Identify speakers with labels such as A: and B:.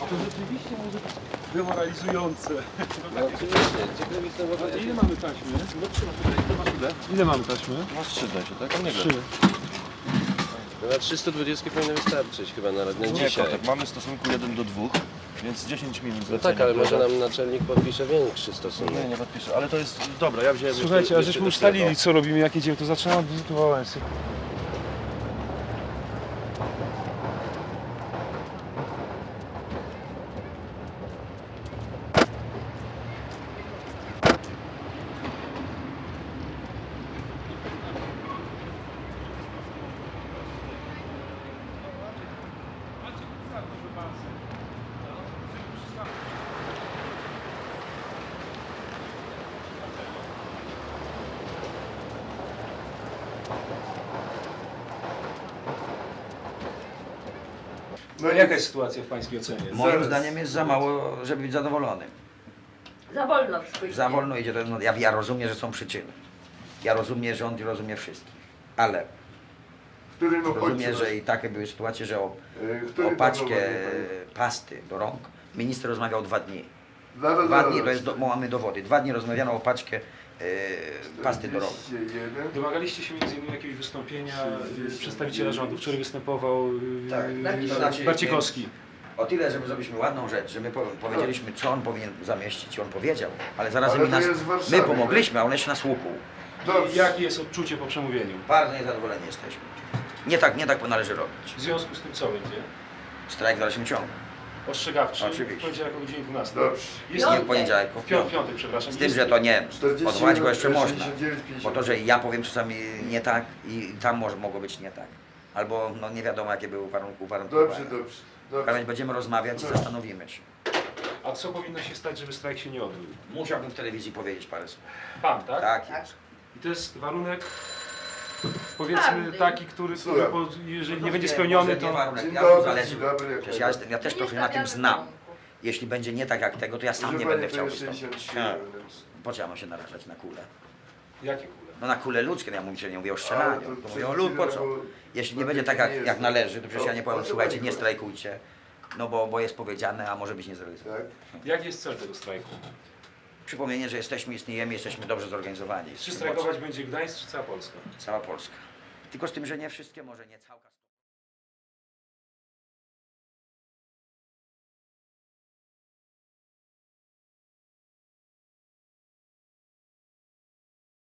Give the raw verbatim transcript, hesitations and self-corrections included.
A: To rzeczywiście może być demoralizujące.
B: No oczywiście, ciekawe jestem w ogóle...
A: Ile mamy taśmy?
B: No trzyma tutaj, to masz ile?
A: Ile mamy taśmy?
B: Masz trzy dajcie, tak? A nie
A: Trzy.
B: No na trzysta dwadzieścia powinno wystarczyć chyba na, na
C: Nie,
B: dzisiaj.
C: kotek, mamy w stosunku jeden do dwóch, więc dziesięć minut
B: No
C: zlecenia.
B: tak, ale może
C: które-
B: nam naczelnik podpisze większy stosunek.
C: Nie, nie podpiszę, ale to jest... Dobra, ja wziąłem...
A: Słuchajcie, a
B: jeszcze
A: żeśmy
B: do
A: ustalili,
B: tego.
A: co robimy, jak jedziemy, to zaczynamy od wizytu Wałęsy. No jaka jest sytuacja w Pańskiej ocenie?
D: Moim zdaniem jest za mało, żeby być zadowolonym.
E: Za wolno spójrzcie.
D: Za wolno idzie. To, no, ja, ja rozumiem, że są przyczyny. Ja rozumiem, że on rozumie wszystkich. Ale
F: Który no
D: rozumiem, że i takie były sytuacje, że o, o paczkę pasty do rąk minister rozmawiał dwa dni.
F: Zaraz,
D: Dwa
F: zaraz.
D: dni, to jest, do, mamy dowody. Dwa dni rozmawiano o paczkę e, pasty do rąk.
F: czterdzieści jeden.
A: Domagaliście się między innymi jakiegoś wystąpienia y, przedstawiciela rządu, który występował y,
D: Tak.
A: y,
D: To znaczy,
A: Barcikowski.
D: O tyle, żeby zrobiliśmy ładną rzecz, że my po, powiedzieliśmy, co on powinien zamieścić i on powiedział, ale zarazem
F: Ale
D: i
F: to
D: nas,
F: jest w Warszawie,
D: my pomogliśmy, a on jeszcze nas łupł.
F: Dobrze.
A: Jakie jest odczucie po przemówieniu?
D: Bardzo niezadowoleni jesteśmy. Nie tak, nie tak należy robić.
A: W związku z tym co będzie?
D: Strajk w dalszym ciągu.
A: Ostrzegawczy
D: Oczywiście.
A: w poniedziałek o godzinie dwunastej.
F: Dobrze.
A: Jest
D: Nie w poniedziałek,
A: w
D: w
A: piątek,
D: piątek.
A: piątek przepraszam.
D: Z tym,
A: Jest-
D: że to nie.
F: czterdzieści
D: Odwołać go
F: jeden,
D: jeszcze można.
F: sześćdziesiąt dziewięć, pięćdziesiąt.
D: Bo to, że ja powiem czasami nie tak i tam może, mogło być nie tak. Albo no nie wiadomo jakie były warunki uwarunkowania.
F: Dobrze, dobrze.
D: W każdym razie
F: dobrze.
D: będziemy rozmawiać i
F: Dobrze.
D: zastanowimy się.
A: A co powinno się stać, żeby strajk się nie odbył?
D: Musiałbym w telewizji powiedzieć parę słów.
A: Pan, tak?
D: Tak jest.
A: I to jest warunek, powiedzmy,
E: Twardy.
A: taki, który, który
F: Słucham.
A: po, jeżeli nie
D: No
A: będzie
D: wiem,
A: spełniony,
D: może nie
A: to...
D: warunek.
F: Dzień
D: Ja
F: dobry,
D: zależy.
F: dzień dobry.
D: Przecież ja, jestem, ja też trochę na tym znam. Jeśli będzie nie tak jak tego, to ja sam nie będę chciał wystąpić. Tak. Po co ja mam się narażać na kulę?
A: Jakie kule?
D: No na kulę ludzkie, no ja mówię, że nie mówię o
F: Ale
D: strzelaniu.
F: to
D: To mówię o
F: przed
D: lud, po co?
F: chwilą, bo-
D: Jeśli
F: bo
D: nie będzie
F: to
D: tak
F: nie
D: jak,
F: jest
D: jak
F: tak.
D: należy, to przecież ja nie
F: O-
D: powiem,
F: o co
D: słuchajcie,
F: pani
D: nie
F: chodzi?
D: strajkujcie, no bo, bo jest powiedziane, a może być nie zrealizowane.
F: Tak?
A: Jaki jest cel tego strajku?
D: Przypomnienie, że jesteśmy, istniejemy, jesteśmy dobrze zorganizowani.
A: Czy strajkować będzie Gdańsk, czy cała Polska?
D: Cała Polska. Tylko z tym, że nie wszystkie, może nie całka.